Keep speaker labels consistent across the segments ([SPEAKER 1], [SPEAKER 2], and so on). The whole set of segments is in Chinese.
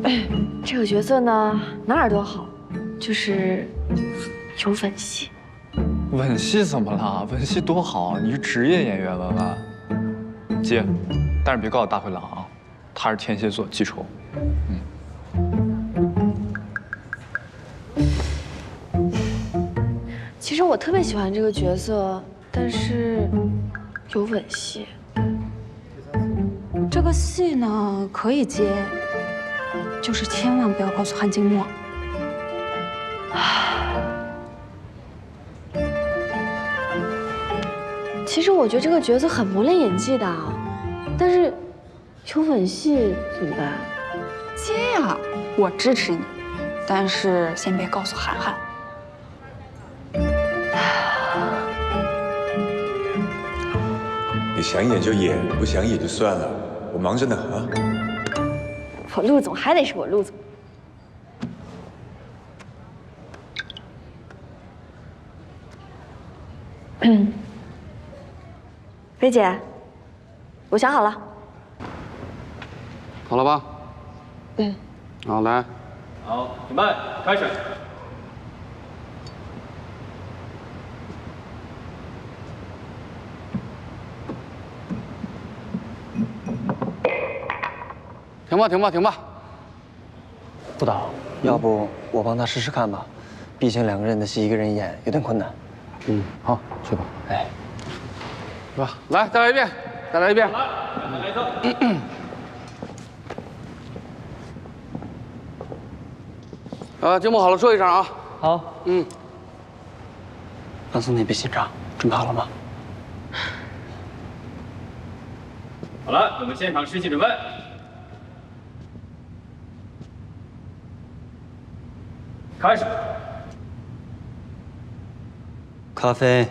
[SPEAKER 1] 这个角色呢，哪儿都好，就是有吻戏。
[SPEAKER 2] 吻戏怎么了？吻戏多好啊！你是职业演员，文文。接，但是别告诉大灰狼啊，他是天蝎座，记仇。
[SPEAKER 1] 其实我特别喜欢这个角色，但是有吻戏。
[SPEAKER 3] 这个戏呢可以接，就是千万不要告诉韩静默。
[SPEAKER 1] 其实我觉得这个角色很磨练演技的，但是有吻戏怎么办？
[SPEAKER 3] 接呀，我支持你，但是先别告诉涵涵。
[SPEAKER 4] 你想演就演，不想演就算了，我忙着呢啊。
[SPEAKER 1] 我陆总还得是我陆总。薇姐，我想好了。
[SPEAKER 5] 好了吧？
[SPEAKER 1] 嗯。
[SPEAKER 5] 好，来。
[SPEAKER 6] 好，准备，开始。
[SPEAKER 5] 停吧，停吧，停吧。
[SPEAKER 7] 副导，要不我帮他试试看吧？毕竟2个人的戏，1个人演有点困难。
[SPEAKER 5] 嗯，好，去吧。
[SPEAKER 7] 哎，
[SPEAKER 5] 是吧？来，再来一遍，再来一遍。
[SPEAKER 6] 再来一个。
[SPEAKER 5] 静默好了，说一声啊。
[SPEAKER 7] 好。
[SPEAKER 5] 嗯。
[SPEAKER 7] 放松点，别紧张。准备好了吗？
[SPEAKER 6] 好了，我们现场试戏准备。开始。
[SPEAKER 7] 咖啡。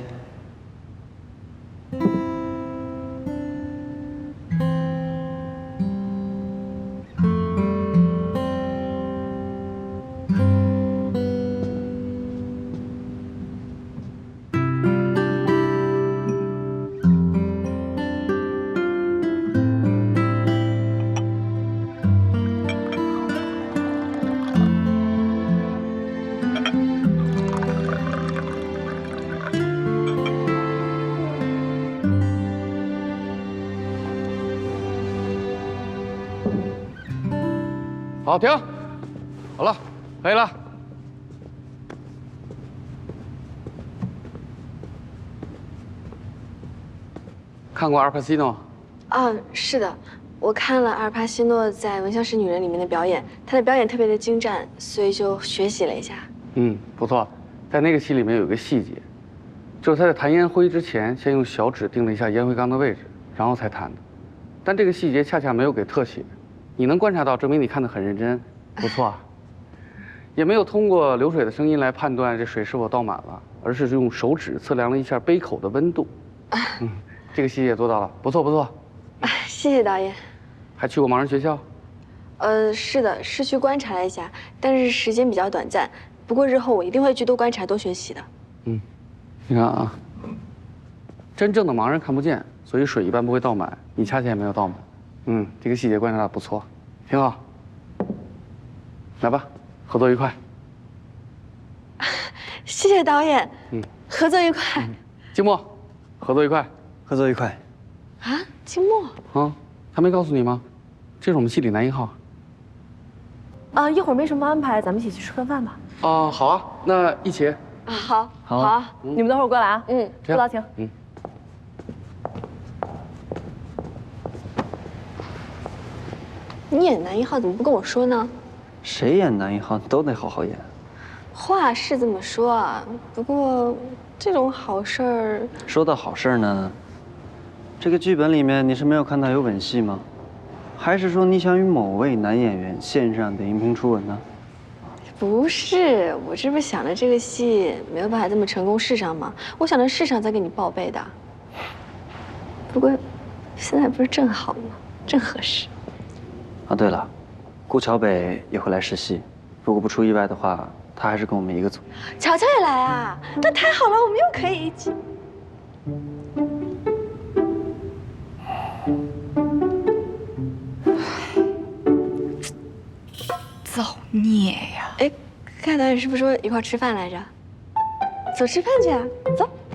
[SPEAKER 5] 好，停。好了，可以了。看过《阿尔帕西诺》？
[SPEAKER 1] 是的，我看了阿尔帕西诺在《闻香识女人》里面的表演，他的表演特别的精湛，所以就学习了一下。
[SPEAKER 5] 嗯，不错。在那个戏里面有一个细节，就是他在弹烟灰之前，先用小指定了一下烟灰缸的位置，然后才弹的。但这个细节恰恰没有给特写。你能观察到，证明你看得很认真，不错啊。也没有通过流水的声音来判断这水是否倒满了，而是用手指测量了一下杯口的温度。这个细节做到了，不错不错。
[SPEAKER 1] 谢谢导演。
[SPEAKER 5] 还去过盲人学校？
[SPEAKER 1] 是的，是去观察了一下，但是时间比较短暂。不过日后我一定会去多观察、多学习的。
[SPEAKER 5] 你看啊，真正的盲人看不见，所以水一般不会倒满，你恰恰也没有倒满。这个细节观察的不错，挺好。来吧，合作愉快。
[SPEAKER 1] 谢谢导演。合作愉快。
[SPEAKER 5] 静默，合作愉快。
[SPEAKER 7] 合作愉快。
[SPEAKER 1] 啊，静默。
[SPEAKER 5] 啊，他没告诉你吗？这是我们戏里男1号。
[SPEAKER 1] 一会儿没什么安排，咱们一起去吃顿饭吧。
[SPEAKER 5] 好啊，那一起。
[SPEAKER 1] 好，
[SPEAKER 7] 好
[SPEAKER 1] 啊，
[SPEAKER 8] 你们等会儿过来啊。副导请。
[SPEAKER 1] 你演男1号怎么不跟我说呢？
[SPEAKER 7] 谁演男1号都得好好演。
[SPEAKER 1] 话是这么说啊，不过这种好事儿……
[SPEAKER 7] 说到好事儿呢，这个剧本里面你是没有看到有吻戏吗？还是说你想与某位男演员线上的荧屏初吻呢？
[SPEAKER 1] 不是，我这不是想着这个戏没有办法这么成功试上吗？我想着试上再给你报备的。不过现在不是正好吗？正合适。
[SPEAKER 7] 啊，对了，顾桥北也会来试戏，如果不出意外的话，他还是跟我们一个组。
[SPEAKER 1] 乔乔也来啊，那太好了，我们又可以一起。
[SPEAKER 3] 造孽呀！
[SPEAKER 1] 哎，看导演是不是说一块吃饭来着？走吃饭去啊，走。